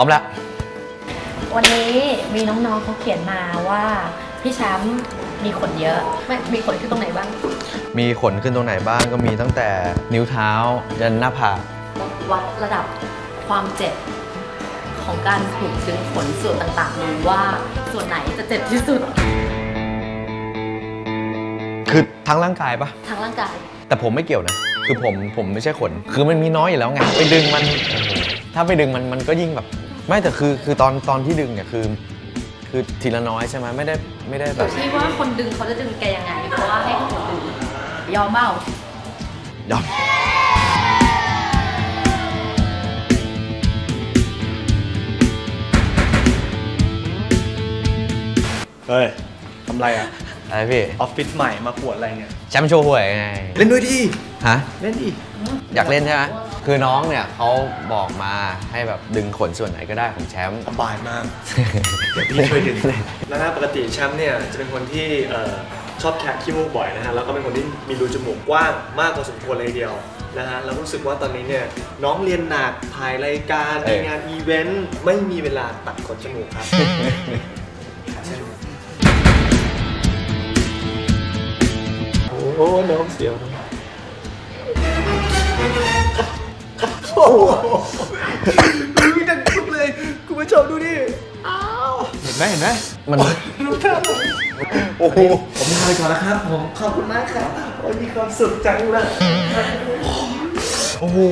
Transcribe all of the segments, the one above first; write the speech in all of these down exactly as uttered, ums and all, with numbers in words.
ร้อมแล้ววันนี้มีน้องๆเขาเขียนมาว่าพี่แชมป์มีขนเยอะไม่มีขนขึ้นตรงไหนบ้างมีขนขึ้นตรงไหนบ้างก็มีตั้งแต่นิ้วเท้ายันหน้าผากวัดระดับความเจ็บของการถูกดึงขนส่วนต่างๆดูว่าส่วนไหนจะเจ็บที่สุดคือทั้งร่างกายปะทั้งร่างกายแต่ผมไม่เกี่ยวนะคือผมผมไม่ใช่ขนคือมันมีน้อยอยู่แล้วไงไปดึงมันถ้าไปดึงมันมันก็ยิ่งแบบไม่แต่คือคือตอนตอนที่ดึงเนี่ยคือคือทีละน้อยใช่ไหมไม่ได้ไม่ได้แบบที่ว่าคนดึงเขาจะดึงแกยังไงเพราะว่าให้คนดึงยอมเปล่ายอมเฮ้ยทำไรอ่ะอะไรพี่ออฟฟิศใหม่มาปวดอะไรเนี่ยแชมป์โชว์หวยไงเล่นด้วยดิฮะเล่นดิอยากเล่นใช่ไหมคือน้องเนี่ยเขาบอกมาให้แบบดึงขนส่วนไหนก็ได้ของแชมป์สบายมากเดี๋ยวพี่ช่วยดึงแล้วนะปกติแชมป์เนี่ยจะเป็นคนที่ชอบแคะขี้มูกบ่อยนะฮะแล้วก็เป็นคนที่มีรูจมูกกว้างมากพอสมควรเลยเดียวนะฮะแล้วรู้สึกว่าตอนนี้เนี่ยน้องเรียนหนักถ่ายรายการมีงานอีเวนต์ไม่มีเวลาตัดขนจมูกครับโอ้โหน้องเสียวโอ้โหมีดังทุกเลยคุณผู้ชมดูดิอ้าวเห็นไหมเห็นไหมมันรู้ทันโอ้โหผมลาไปก่อนแล้วครับผมขอบคุณมากครับโอ้ยมีความสุขจังเลยโอ้โห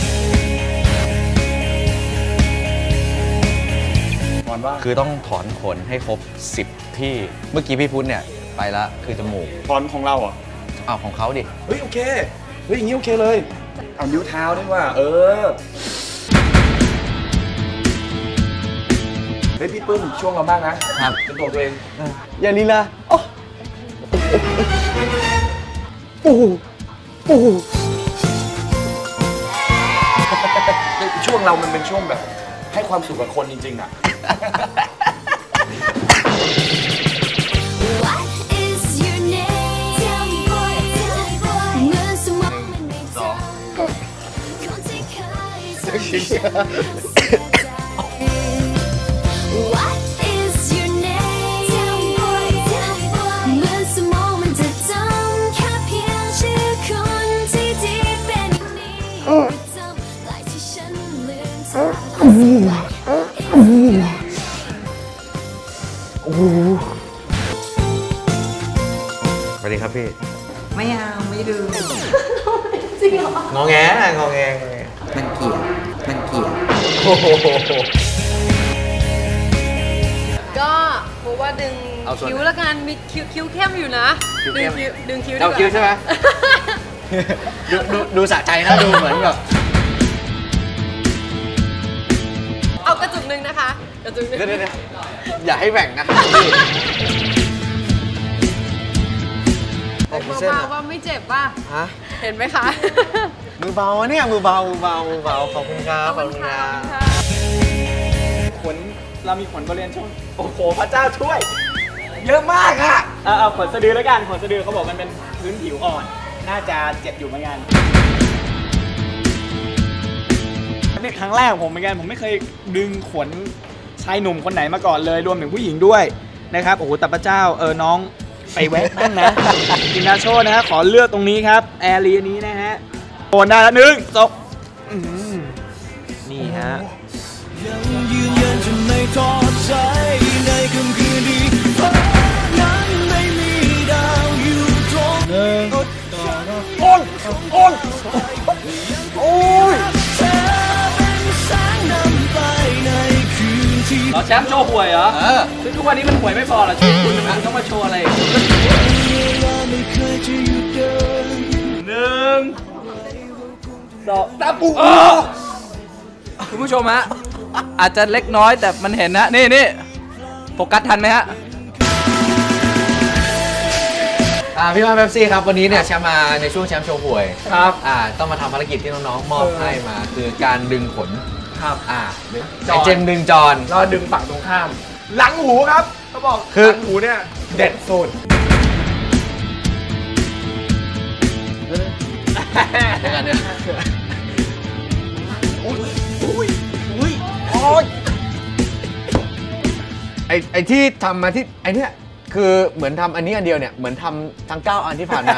คือต้องถอนขนให้ครบสิบที่เมื่อกี้พี่พุทธเนี่ยไปละคือจมูกถอนของเราอ่ะอ้าวของเขาดิเฮ้ยโอเคเฮ้ยอย่างนี้โอเคเลยเอานิ้วเท้าด้วยว่าเออเฮ้ยพี่ปื้มช่วงเราบ้างนะครับเป็นตัวตัวเองอย่าลีลาโอ้โอ้โอ้ช่วงเรามันเป็นช่วงแบบให้ความสุขกับคนจริงๆอ่ะสวัสดีครับพี่ไม่เอาไม่ดูจริงเหรองอแงนะงอแงมันเกลียดมันเกลียดก็เพราะว่าดึงคิ้วแล้วกันมีคิ้วคิ้วเข้มอยู่นะดึงคิ้วดึงคิ้วเราคิ้วใช่ไหมดูดูดูสะใจนะดูเหมือนแบบเอากระจุกหนึ่งนะคะกระจุกหนึ่งอย่าให้แบ่งนะเบาๆว่าไม่เจ็บป่ะฮะเห็นไหมคะมือเบาเนี่ยมือเบามือเบามือเบาขอบคุณครับขอบคุณครับขนเรามีขนบริเวณช่วงโอ้โหพระเจ้าช่วยเยอะมากอะเอาขนสะดือแล้วกันขนสะดือเขาบอกมันเป็นพื้นผิวอ่อนน่าจะเจ็บอยู่เหมือนกันนี่ครั้งแรกของผมเหมือนกันผมไม่เคยดึงขนชายหนุ่มคนไหนมาก่อนเลยรวมถึงผู้หญิงด้วยนะครับโอ้โหแต่พระเจ้าเออน้องไปแวะบ้างนะกินนาโชนะฮะขอเลือกตรงนี้ครับแอร์รีนี้นะฮะโอนได้แล้วหนึ่งสองนี่ฮะยังยืนยันจะไม่ท้อใจในค่ำคืนนี้เพราะนั้นไม่มีดาวอยู่ตรงหนึ่งโอนโอนโอ้ยเราแชมป์โชว์หวยเหรอเออซึ่งทุกวันนี้มันหวยไม่พอหรอชีวิตคุณมันต้องมาโชว์อะไรหนึ่งสองสามปุ๊บคุณผู้ชมฮะอาจจะเล็กน้อยแต่มันเห็นนะนี่นี่โฟกัสทันไหมฮะพี่มาเบปซี่ครับวันนี้เนี่ยแชมป์มาในช่วงแชมป์โชว์หวยครับอ่าต้องมาทำภารกิจที่น้องๆมอบให้มาคือการดึงขนครับอ่าไอเจมดึงจอนเราดึงฝั่งตรงข้ามหลังหูครับเขาบอกคือหลังหูเนี่ยเด็ดสุดเดี๋ยวกันเดี๋ยวอุ้ยอุ้ยอุ้ยโอ้ยไอไอที่ทำมาที่ไอเนี้ยคือเหมือนทำอันนี้อันเดียวเนี่ยเหมือนทำทั้งเก้าอันที่ผ่านมา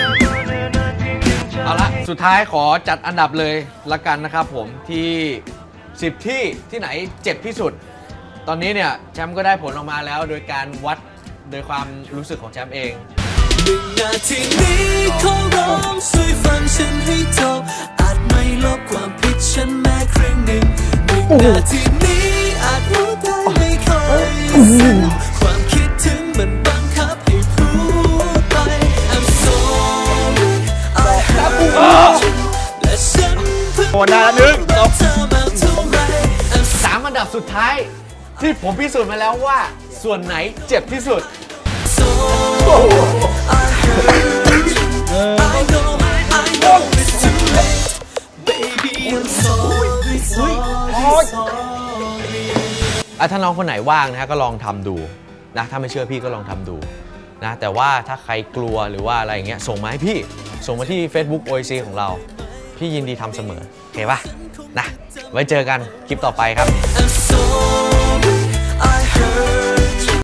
เอาละสุดท้ายขอจัดอันดับเลยละกันนะครับผมที่สิบที่ที่ไหนเจ็บที่สุดตอนนี้เนี่ยแชมป์ก็ได้ผลออกมาแล้วโดยการวัดโดยความรู้สึกของแชมป์เองหนึ่งนาทีนี้ขอร้องช่วยฟังฉันให้จบอาจไม่ลบความผิดฉันแม้ครึ่งหนึ่งหนึ่งนาทีนี้อาจรู้ได้ไม่ค่อยซึ้งความคิดถึงมันบังคับให้พูดไป I'm sorry I hurt you และฉันเพิ่งรู้ว่าเธอมาเท่าไรสามอันดับสุดท้ายที่ผมพิสูจน์มาแล้วว่าส่วนไหนเจ็บที่สุดอ่ะถ้าน้องคนไหนว่างนะฮะก็ลองทำดูนะถ้าไม่เชื่อพี่ก็ลองทำดูนะแต่ว่าถ้าใครกลัวหรือว่าอะไรอย่างเงี้ยส่งมาให้พี่ส่งมาที่ Facebook โอ เอ ซี ของเราพี่ยินดีทำเสมอโอเคป่ะนะไว้เจอกันคลิปต่อไปครับ